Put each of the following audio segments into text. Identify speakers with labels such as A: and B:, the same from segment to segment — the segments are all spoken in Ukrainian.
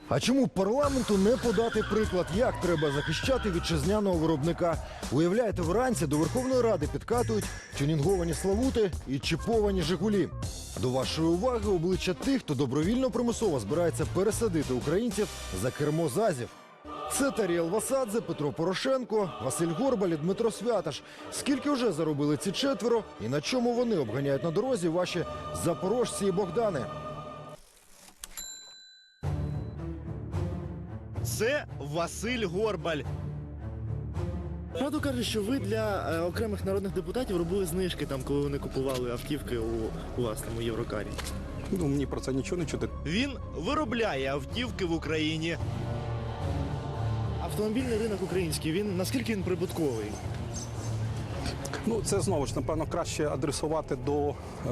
A: А чому парламенту не подати приклад, як треба захищати вітчизняного виробника? Уявляєте, вранці до Верховної Ради підкатують тюнінговані Славути і чіповані Жигулі. До вашої уваги обличчя тих, хто добровільно примусово збирається пересадити українців за кермо ЗАЗів. Це Таріел Васадзе, Петро Порошенко, Василь Горбаль і Дмитро Святаш. Скільки вже заробили ці четверо і на чому вони обганяють на дорозі ваші запорожці і Богдани?
B: Це Василь Горбаль.
C: Правду кажуть, що ви для окремих народних депутатів робили знижки, там, коли вони купували автівки у власному Єврокарі.
D: Ну, мені про це нічого не чути.
B: Він виробляє автівки в Україні.
C: Автомобільний ринок український, наскільки він прибутковий?
D: Ну, це знову ж, напевно, краще адресувати до...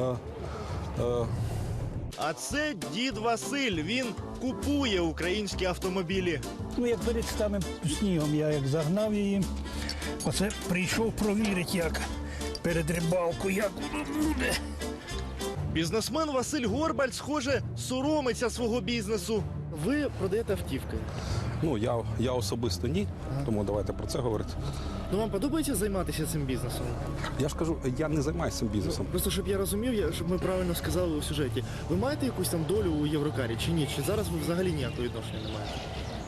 B: А це дід Василь. Він купує українські автомобілі.
E: Ну, як перед самим снігом я як загнав її, оце прийшов провірити, як перед рибалкою, як воно буде.
B: Бізнесмен Василь Горбаль, схоже, соромиться свого бізнесу.
C: Ви продаєте автівки.
D: Ну, я особисто ні, тому давайте про це говорити.
C: Ну, вам подобається займатися цим бізнесом?
D: Я ж кажу, я не займаюся цим бізнесом.
C: Просто, щоб я розумів, щоб ми правильно сказали у сюжеті. Ви маєте якусь там долю у Єврокарі чи ні? Чи зараз ви взагалі ніякого відношення не маєте?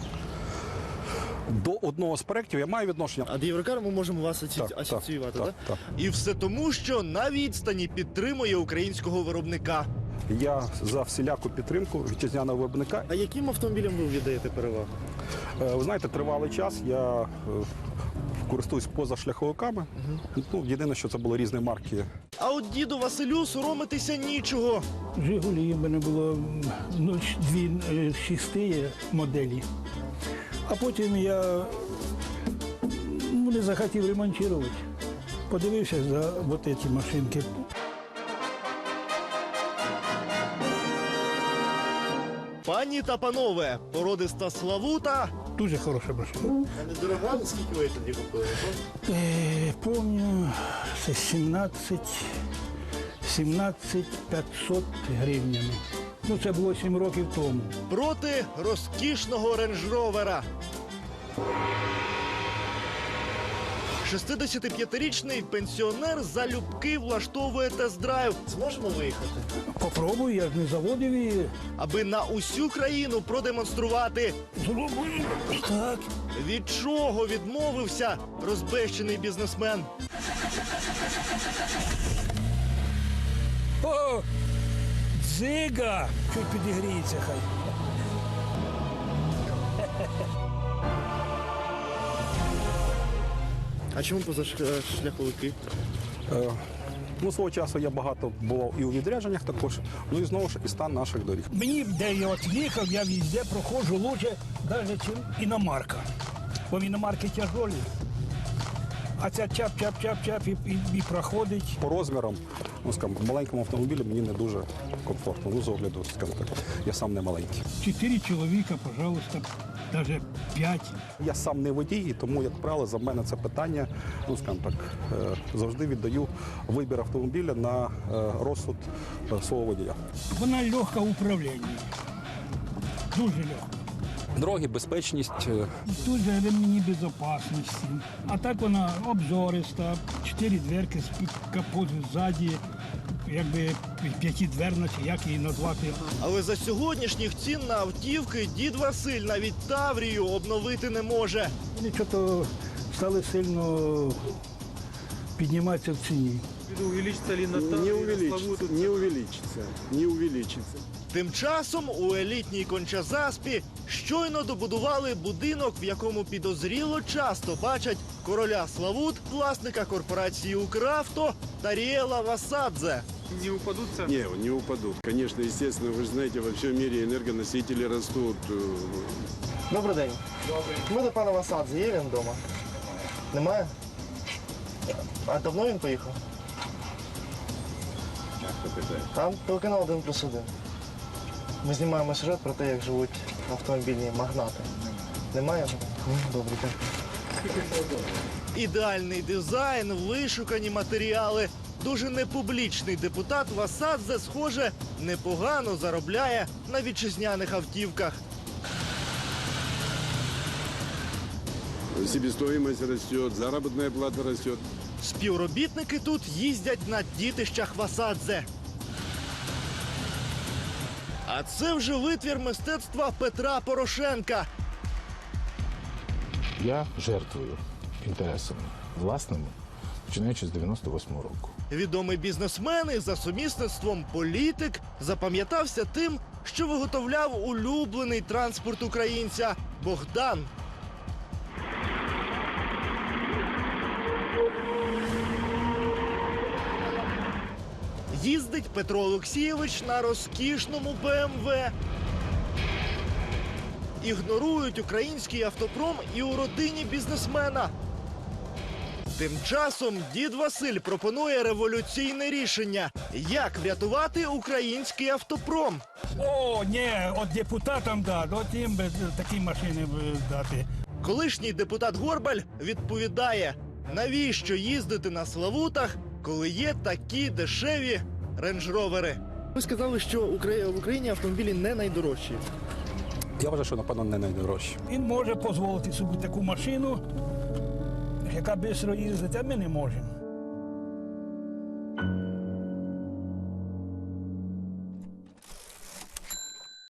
D: До одного з проєктів я маю відношення.
C: А до Єврокару ми можемо вас асоціювати, так?
D: Так.
B: І все тому, що на відстані підтримує українського виробника.
D: Я за всіляку підтримку вітчизняного виробника.
C: А яким автомобілям ви віддаєте перевагу?
D: Ви знаєте, тривалий час я користуюсь позашляховиками. Ну, єдине, що це були різні марки.
B: А от діду Василю соромитися нічого.
E: Жигулі в мене було дві шісти моделі. А потім я не захотів ремонтувати. Подивився за вот ці машинки.
B: Пані та панове, породиста Славута.
E: Дуже хороша машина.
C: А не дорога, скільки ви тоді купили?
E: Помню, це 17 500 гривнями. Ну, це було 7 років тому.
B: Проти розкішного рейндж-ровера. 65-річний пенсіонер залюбки влаштовує тест-драйв.
C: Зможемо виїхати?
E: Попробую, я ж не заводив її.
B: Аби на усю країну продемонструвати,
E: Зробив. Так.
B: від чого відмовився розбещений бізнесмен.
E: О, дзига! Чуть підігріється хай.
C: А чому позашляховики?
D: Ну, свого часу я багато бував і у відрядженнях також. Ну і знову ж і стан наших доріг.
E: Мені, де я от їхав, я везде проходжу лучше, навіть, ніж іномарка. Бо іномарки тяжолі. А ця чап-чап-чап-чап і проходить.
D: По розмірам, ну, скажімо, маленькому автомобілі мені не дуже комфортно. Ну, з огляду, скажімо так, я сам не маленький.
E: 4 чоловіка, пожалуйста, навіть 5.
D: Я сам не водій, і тому, як правило, за мене це питання, ну, скажімо так, завжди віддаю вибір автомобіля на розсуд свого водія.
E: Вона легка в управлінні. Дуже легка.
D: Дороги, безпечність.
E: Дуже ремені безпечності. А так вона обзориста, 4 дверки, капот ззаді, якби 5-дверна, чи як її назвати.
B: Але за сьогоднішніх цін на автівки дід Василь навіть Таврію обновити не може.
E: Вони чого стали сильно підніматися в ціні.
F: Не увеличится.
B: Тим часом у елітній Конча-Заспі щойно добудували будинок, в якому підозріло часто бачать короля Славут, власника корпорації «Укравто» Таріела Васадзе.
F: Не упадут. Конечно, естественно, вы же знаете, во всем мире энергоносители растут.
C: Добрий день. Ми до пана Васадзе. Є він вдома? Немає? А давно він поїхав? Там телеканал 1+1. Ми знімаємо сюжет про те, як живуть автомобільні магнати. Немає? Добре, дякую.
B: Ідеальний дизайн, вишукані матеріали. Дуже непублічний депутат Васадзе, схоже, непогано заробляє на вітчизняних автівках.
F: себестоимость растет, заработная плата растет.
B: Співробітники тут їздять на дітищах Васадзе. А це вже витвір мистецтва Петра Порошенка.
G: Я жертвую інтересами власними, починаючи з 98-го року.
B: Відомий бізнесмен і за сумісництвом політик запам'ятався тим, що виготовляв улюблений транспорт українця – Богдан. Їздить Петро Олексійович на розкішному БМВ. Ігнорують український автопром і у родині бізнесмена. Тим часом дід Василь пропонує революційне рішення – як врятувати український автопром.
E: О, ні, от депутатам дати, от їм би такі машини дати.
B: Колишній депутат Горбаль відповідає, навіщо їздити на Славутах, коли є такі дешеві рейндж-ровери. Ви сказали, що в Україні автомобілі не найдорожчі.
D: Я вважаю, що, напевно, не найдорожче.
E: Він може дозволити собі таку машину, яка швидко їздить, а ми не можемо.